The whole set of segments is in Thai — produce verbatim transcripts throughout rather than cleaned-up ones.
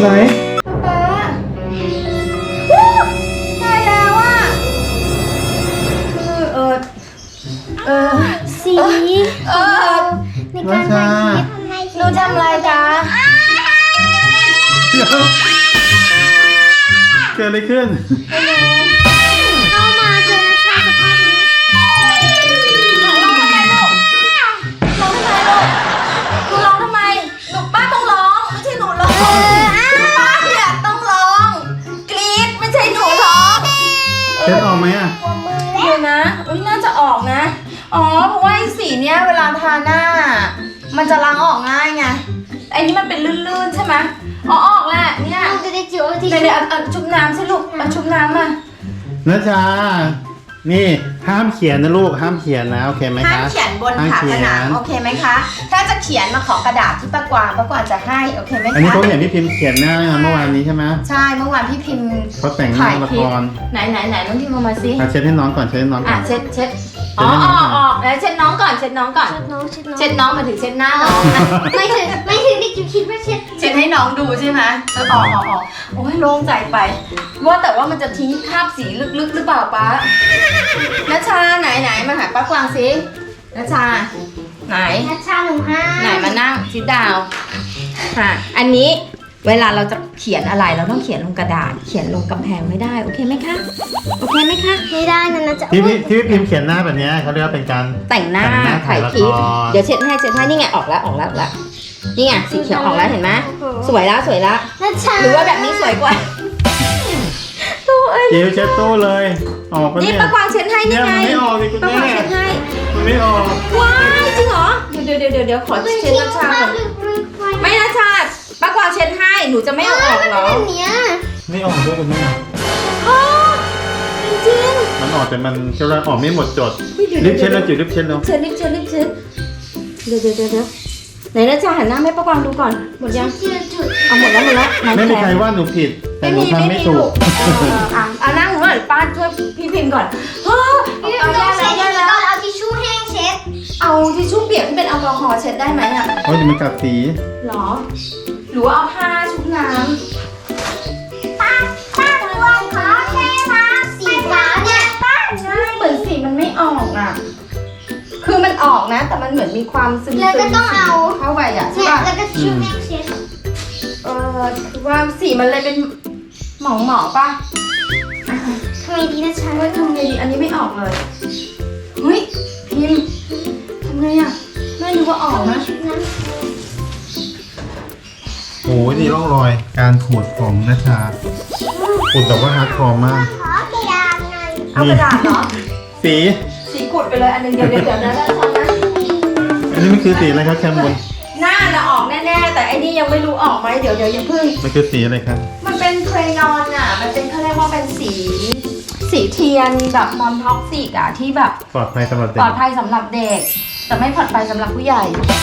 ไหนป๊าได้แล้วอ่ะคือเออเออสีเออในการถ่ายคลิปหนูทำอะไรจ๊ะเดี๋ยวเกิดอะไรขึ้นเข้ามาเจอนักชาสภาพนี้ร้องทำไมลูกร้องทำไมลูกหนูร้องทำไมหนูป้าต้องร้องไม่ใช่หนูร้องป้าเนี่ยต้องร้องกรี๊ดไม่ใช่หนูร้องเช็ดออกไหมอ่ะเดี๋ยวนะอุ้ยน่าจะออกนะ อ๋อ เพราะว่าไอ้สีเนี้ยเวลาทาหน้า มันจะล้างออกง่ายไงไอ้นี้มันเป็นลื่นๆใช่ไหมอ๋อออกแหละเนี่ยเราจะได้จิ๋วที่เดี๋ยวเดี๋ยวเอาเอาชุบน้ำสิลูกเอาชุบน้ำมานัชชา นี่ห้ามเขียนนะลูก ห้ามเขียนนะโอเคไหมคะห้ามเขียนบนห้ามผาเขีผยนนังโอเคไหมคะ ถ้าจะเขียนมาขอกระดาษที่ป้ากวางป้ากวางจะให้โอเคไหมคะอันนี้เขาเห็นพี่พิมพ์เขียนหน้าเมื่อวานนี้ใช่ไหมใช่เมื่อวานพี่พิมพ์เขาแต่งหน้าละครไหนไหนไหนน้องพิมพ์เอามาสิอ่ะเช็ดให้น้องก่อนเช็ดให้น้องก่อ่ะอนเช็ดเช็ดอ๋ออ๋ออ๋อแล้วเช็ดน้องก่อนเช็ดน้องก่อนเช็ดน้องเช็ดน้องเช็ดน้องมาถึงเช็ดหน้าน้องอ่ะไม่ถึงไม่ถึงที่จิ๋วคิดว่าเช็ดเช็ดให้น้องดูใช่ไหมเออออกออกออกโอ้ยโล่งใจไป ว่าแต่ว่ามันจะทิ้งคราบสีลึกๆหรือเปล่าป้านัชชาไหนไหนมาหาป้ากวางสินัชชาไหนนักชาหนุ่มห้าไหนมานั่งซิดาวค่ะอันนี้เวลาเราจะเขียนอะไรเราต้องเขียนลงกระดาษ เขียนลงกำแพงไม่ได้โอเคไหมคะโอเคไหมคะไม่ได้นะนะจะที่พี่ที่พี่พิมพ์เขียนหน้าแบบเนี้ยเขาเรียกว่าเป็นการแต่งหน้าแต่งหน้าถ่ายถ่ายละคลิปครเดี๋ยวเช็ดให้เช็ดให้นี่ไงออกแล้วออกแล้วออกแล้วนี่ไงสีเขียวออกแล้วเห็นไหมสวยแล้วสวยแล้วนักชาหรือว่าแบบนี้สวยกว่าตัวเอ้ยจิ๋วเช็ดตู้เลย ออกปะนี่เนี่ยป้ากวางเช็ดให้นี่เนี่ยไงมันไม่ออกดิคุณป้ากแม่วางเช็ดให้มันไม่ออกว้ายจริงเหรอเดี๋ยวเดี๋ยวเดี๋ยวเดี๋ยวขอเช็ดน้ำชาก่อนไม่นะชาป้ากวางเช็ดให้หนูจะไม่เอาออกเหรอแบบเนี้ยไม่ออกด้วยคุณแม่อ๋อจริงมันออกแต่มันเชื่อว่าออกไม่หมดจดเฮ้ยเดี๋ยวรีบเช็ดแล้วจิ๋วรีบเช็ดแล้วเช็ดรีบเช็ดรีบเช็ดเดี๋ยวเดี๋ยวเดี๋ยวเดี๋ยวไหนนะชาหันหน้าให้ป้ากวางดูก่อนหมดยังจุดจุดเอาหมดแล้วหมดแล้วไหนไม่มีใครแขนว่าหนูผิด แต่หนูทำไม่ถูลูกเอออ่ะอ่ะนั่งหนูหน่อยป้าช่วยพี่พิมพ์ก่อนเฮ้ยพี่เอาต้ได้องแล้ใช้วได้ดีแล้วก่อนเอาทิชชู่แห้งเช็ดเอาทิชชู่เปียกที่เป็นแอลกอฮอล์เช็ดได้ไหมอ่ะเพราะจะมันกัดสีหรอ หรือว่าเอาผ้าชุบน้ป้าป้าตัวขอแค่มาสีฟ้าเนี่ยป้าำใช่เหมือนสีมันไม่ออกอ่ะ คือมันออกนะ แต่มันเหมือนมีความซึมๆแล้วก็ต้องเอาเข้าไปอ่ะใช่เนี่ยป่ะแล้วก็ทิชชู่แห้งเช็ดเออคือว่าสีมันเลยเป็นหมองหมองๆป่ะทำไมดีนะชาเฮ้ยทำไงดีอันนี้ไม่ออกเลย เฮ้ยพิมพ์ทำไงอ่ะไม่รู้ว่าออกนะชุดนั้นโอ้ยนี่ร่องรอยการขูดผมนะชาขูดแบบว่าฮาร์ดคอร์มากขอกระดาษหน่อยเอากระดาษเหรอสีสีกุดไปเลยอันหนึงเดี๋ยวเดี๋ยวเดี๋ยวนะแล้วทำนะอันนี้มันคือสีอะไรครับแคมบนหน้าน่ะออกแน่ๆ แต่ไอ้นี่ยังไม่รู้ออกไหมเดี๋ยวเดี๋ยวอย่าเพิ่งมันคือสีอะไรครับมันเป็นเครยอนอ่ะ มันเป็นเขาเรียกว่าเป็นสี สีเทียนแบบนอนท็อกซิกอ่ะที่แบบปลอดภัยสำหรับเด็ปกลอดภัยสำหรับเด็ก แต่ไม่ปลอดภัยสำหรับผู้ใหญ่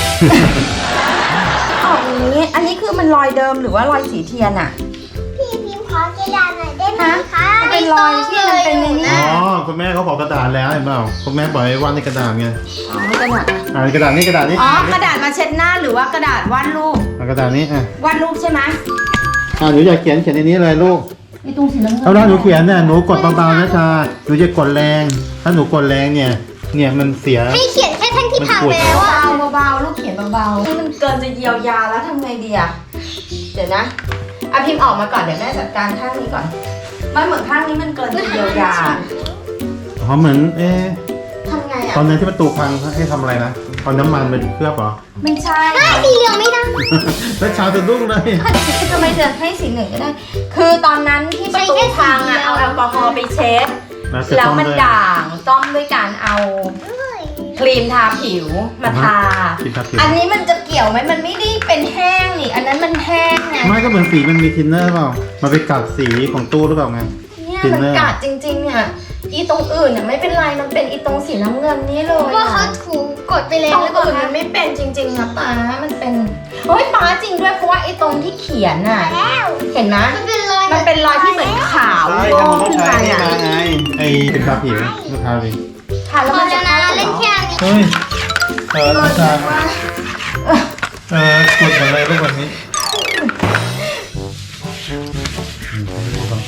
ออกอย่างนี้ อันนี้คือมันรอยเดิมหรือว่ารอยสีเทียนอ่ะพี่พิมพ์ขอกระดาษหน่อยได้ไหมฮะคะมันเป็นรอยที่มันเป็นในนี้อ๋อคุณแม่เขาบอกกระดาษแล้วเห็นเปล่าคุณแม่บอกให้วาดในกระดาษไงอ๋อกระดาษอ่ะอ่ากระดาษนี่กระดาษนี่อ๋อกระดาษมาเช็ดหน้าหรือว่ากระดาษวาดรูปอ่ากระดาษนี้อ่ะวาดรูปใช่ไหมอ่าหนูอยากเขียนเขียนในนี้เลยลูกไอ้ตรงสีน้ำเงินเอาละหนูเขียนเนี่ยหนูกดเบาๆนะชาหนูจะกดแรง ถ้าหนูกดแรงเนี่ยเนี่ยมันเสียให้เขียนแค่ทั้งที่ผ่านไปแล้วอะเบาๆเบาๆลูกเขียนเบาๆนี่มันเกินจะเยียวยาแล้วทำไงดีอะเดี๋ยวนะอะพิมพ์ออกมาก่อนเดี๋ยวแม่จัดการข้างนี้ก่อนมันเหมือนข้างนี้มันเกินจะเยียวยาอ๋อเหมือนเอ๊ะทำไงอะตอนนั้นที่ประตูพังให้ทำอะไรนะเอาน้ำมันไปเคลือบเหรอไม่ใช่สีเหลืองไม่ได้แล้วชาจะดุ้งเลยทำไมจะให้สีหนึ่งก็ได้ คือตอนนั้นที่ประตูพังอะเอาแอลกอฮอล์ไปเช็ดนะจะแล้วต้องมันด้วยด่างต้อมด้วยการเอาครีมทาผิวมาทาครีมทาผิวอันนี้มันจะเกี่ยวไหมมันไม่ได้เป็นแห้งนี่อันนั้นมันแห้งไงไม่ก็เหมือนสีมันมีทินเนอร์เปล่ามันไปกัดสีของตู้หรือเปล่าไงเนี่ยจริงมันเลยกัดจริงๆเนี่ยอีตรงอื่นเนี่ยไม่เป็นไรมันเป็นอีตรงสีน้ำเงินนี้เลยว่าอะเขาถูกดไปแล้ตวรงหรือเปล่าอื่นคะมันไม่เป็นจริงๆนะป้ามันเป็นเฮ้ยป้าจริงด้วยเพราะว่าไอ้ตรงที่เขียนน่ะแล้วเห็นไหมมันเป็นรอยมันเป็นรอยที่เหมือนขาวใช่โยถ้ามันงต้องขึ้นใช้มานี่อ่ะมาไงไอ้เป็นทาผิวลูกค้าดิทาแล้วพอมันจะแล้วนะเข้าเล่นเหรแค่อนี้เฮ้ยเออเอลูอกค้าว่าเออกดหมดเลยลูกวันนี้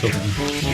สุข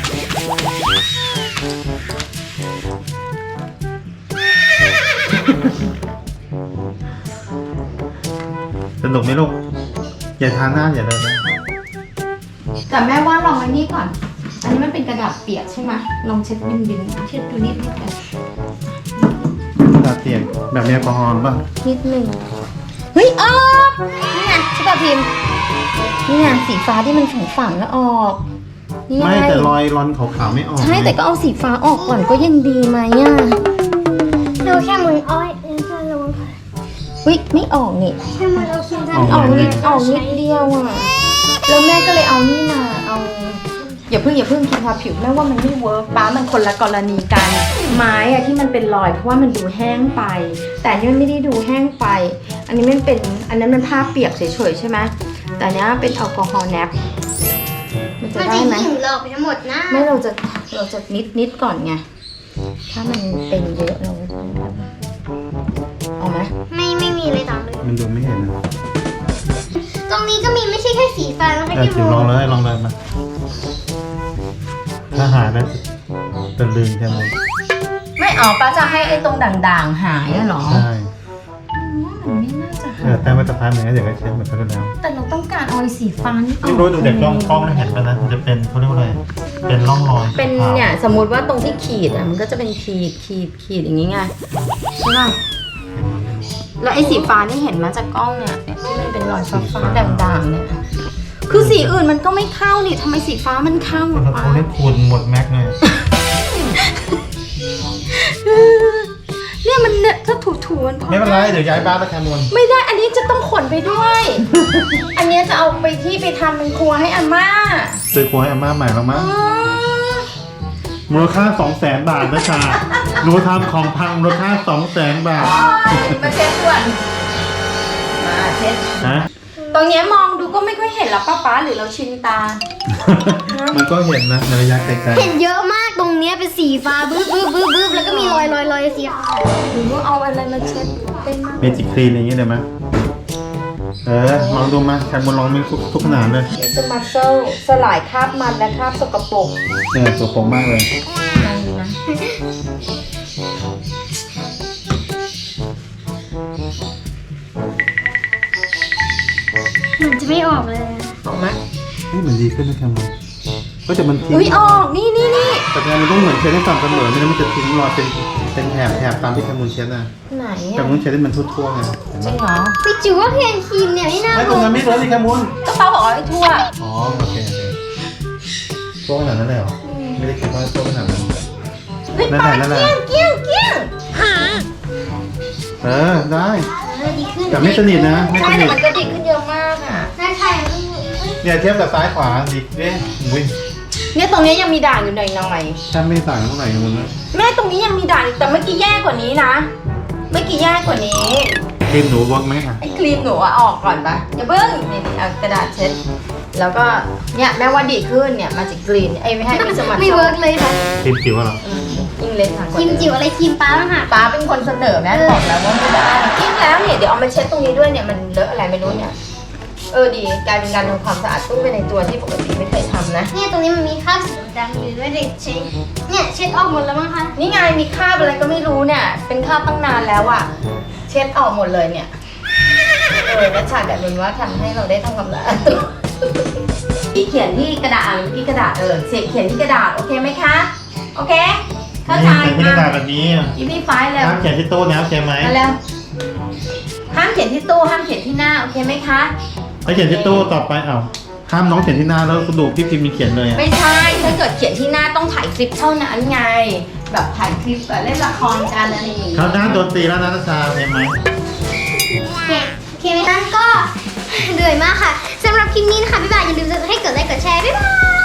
สนุกไหมลูกอย่าทานหน้าอย่าเลยนะแต่แม่ว่าลองอันนี้ก่อน อันนี้มันเป็นกระดาษเปียกใช่ไหมลองเช็ดดินๆเช็ดดูนิดนิดกันกระดาษเปียกแบบมีแอลกอฮอล์ป่ะนิดหนึ่งเฮ้ยออกนี่ไงใช่ป่ะพิมพ์นี่ไงสีฟ้าที่มันฝังฝังๆแล้วออกนี่ไงไม่แต่รอยรอนขาวๆไม่ออกใช่แต่ก็เอาสีฟ้าออกก่อนก็ยังดีไหมอ่ะดูแค่มืออ้อยเออจะลงเฮ้ยไม่ออกนี่แค่มือเราคิดได้ออกนิดออกนิดเดียวอ่ะแล้วแม่ก็เลยเอานี่มาเอาอย่าเพิ่งอย่าเพิ่งคิดว่าผิวแม่ว่ามันไม่เวิร์กป้ามันคนละกรณีกันไม้อะที่มันเป็นรอยเพราะว่ามันดูแห้งไป แต่อันนี่มันไม่ได้ดูแห้งไป อันนี้มันเป็นอันนั้นมันผ้าเปียกเฉยๆใช่ไหมแต่อันเนี้ยเป็นแอลกอฮอล์แนบมันจะมันได้จะไหมหิวหลอกไปทั้งหมดนะไม่เราจะเราจะนิดนิดก่อนไงถ้ามันเป็นเยอะเราเอาไหมไม่ไม่มีเลยต่างเลยมันดูไม่เห็นนะตรงนี้ก็มีไม่ใช่แค่สีฟ้านะคะแต่ที่จิ๋วลองเลยลองเลยมาถ้าหายแล้วจะลืมใช่ไหมไม่เอาป้าจะให้ไอ้ตรงด่างๆหายอะเหรอใช่ว่ามันไม่น่าจะเอหาอย แต่มาตรฐานเหมือนกันเดี๋ยวก็เช็ดเหมือนกันแล้วแต่เราต้องการเอาไอ้สีฟ้านี่ออกไม่รู้ดูเด็กกล้องกล้องเห็นไปนะมันจะเป็นเขาเรียกว่าอะไรเป็นร่องรอยเป็นเนี่ยสมมุติว่าตรงที่ขีดอ่ะมันก็จะเป็นขีดขีดขีดอย่างนี้ไงใช่ป่ะแล้วไอ้สีฟ้านี่เห็นมาจากกล้องเนี่ยเนี่ยที่มันเป็นรอยฟ้าฟ้าๆด่างๆเนี่ยคือสีอื่นมันก็ไม่เข้านี่ทำไมสีฟ้ามันเข้าเขาอ่ะป้าเขาเรียกคูณหมดแม็กเลยเนี่ยมันเนี่ยถ้าถูๆมันพอไม่เป็นไรเดี๋ยวย้ายบ้านไปแคมนไม่ได้อันนี้จะต้องขนไปด้วย อันเนี้ยจะเอาไปที่ไปทำเป็นครัวให้อาม่าซื้อครัวให้อาม่าใหม่แล้วมั้งอ๋อมูลค่าสองแสนบาทนะชาหนูทำของพังมูลค่าสองแสนบาทมาเช็ดด่วนมาเช็ดฮะตรงเนี้ยมองดูก็ไม่ค่อยเห็นหรอกป้าป๊าหรือเราชินตามันก็เห็นนะในระยะไกลเห็นเยอะมากตรงเนี้ยเป็นสีฟ้าบึ้บบึ้บบึ้บบึ้บแล้วก็มีรอยรอยรอยสีขาวหรือว่าเอาอะไรมาเช็ดเป็นมากๆเมจิคลีนอย่างเงี้ยได้ไหมเออลองดูมาแคมนลองมีทุกทุกขนาดเลยเดี๋ยวจะมาเซลสลายคราบมันและคราบสกปรกเนี่ยตัวผมมากเลยลองดูนะเหมือนจะไม่ออกเลยอะออกไหมเฮ้ยมันดีขึ้นนะแคมนก็จะมันทิ้งอุ้ยออกนี่นี่นี่แต่แคมมันต้องเหมือนเช็ดให้สม่ำเสมอไม่งั้นมันจะทิ้งรอยเป็นเป็นแถบแถบตามที่แคมนเช็ดนะไหนแคอะมนเช็ดให้มันทั่วๆไงเห็นจไหมริงเหรอพี่จิ๋วว่าเพียงครีมเนี่ยไม่น่าไม่ตเวิรงร์นั้นกไม่เลยนี่แคมนก็ป้าบอกเอาไอ้ทั่วอ๋อโอเคโอเคทั่วขนาดนั้นเลยเหรอไม่ได้คิดว่าทั่วขนาดนั้นเฮ้ยนั่นป้าแหละนั่นแหละเกี้ยงเกี้ยงเกี้ยงเออได้เออดีขึ้นแต่ไม่สนิทนะไม่ใช่สนิแต่ทมันก็ดีขึ้นเยอะมากอ่ะน่าใช่เนี่ยเทียบกับซ้ายขวาดิเอ๊ะอุ้ยเนี่ยตรงเนี้ยยังมีด่างอยู่หน่อยแทบไม่ต่างเท่าไหร่กันนะๆแม่ตรงนี้ยังมีด่างอีกแต่เมื่อกี้แย่กว่านี้นะเมื่อกี้แย่กว่านี้ครีมหนูเวิร์กไหมอ่ะไอ้ครีมหนูอะออกก่อนปะอย่าเพิ่งนี่ๆเอากระดาษเช็ดแล้วก็เนี่ยแม่ว่าดีขึ้นเนี่ยมาจากกรีนไอ้ยไม่ให้ไม่สมัครไม่เวิร์กเลยค่ะครีมจิ๋วเหรออืมยิ่งเล็กทางครีมจิ๋วอะไรครีมป้าบ้างค่ะป้าเป็นคนเสนอแม่บอกแล้วว่าไม่ได้ยิ่งแล้วเนี่ยเดี๋ยวเอามาเช็ดตรงนี้ด้วยเนี่ยมันเลอะอะไรไม่รู้เนี่ยเออดีกลายเป็นการทำความสะอาดตู้ไปในตัวที่ปกติไม่เคยทำนะเนี่ยตรงนี้มันมีคราบสีดำอยู่ด้วยเด็กเช็ดเนี่ยเช็ดออกหมดแล้วมั้งคะนี่ไงมีคราบอะไรก็ไม่รู้เนี่ย เป็นคราบตั้งนานแล้วอะเช็ดออกหมดเลยเนี่ยเออนัชชาแบบนี้ว่าทำให้เราได้ทำความสะอาดตัวสีเขียนที่กระดาษอ่ะที่กระดาษเออเสียเขียนที่กระดาษโอเคไหมคะโอเคเข้าใจนี่เป็นกระดาษแบบนี้อ่ะอีพี่ไฟล์แล้วห้ามเขียนที่โต๊ะนะโอเคไหมมาแล้วห้ามเขียนที่ตู้ห้ามเขียนที่หน้าโอเคไหมคะถ้าเขียนที่โต๊ะต่อไปเอ้าห้ามน้องเขียนที่หน้าแล้วกระดูกพี่พิมพ์มีเขียนเลยอ่ะไม่ใช่ถ้าเกิดเขียนที่หน้าต้องถ่ายคลิปเท่านั้นไง แบบถ่ายคลิปแบบเล่นละครกันอะไรอย่างงี้เขาด้านโดนตีแล้วนะนัชชาเห็นไหมเนี่ยโอเคไหมนั้นก็เหนื่อยมากค่ะสำหรับคลิปนี้นะคะบ๊ายบายอย่าลืมจะให้กดไลค์กดแชร์บ๊ายบาย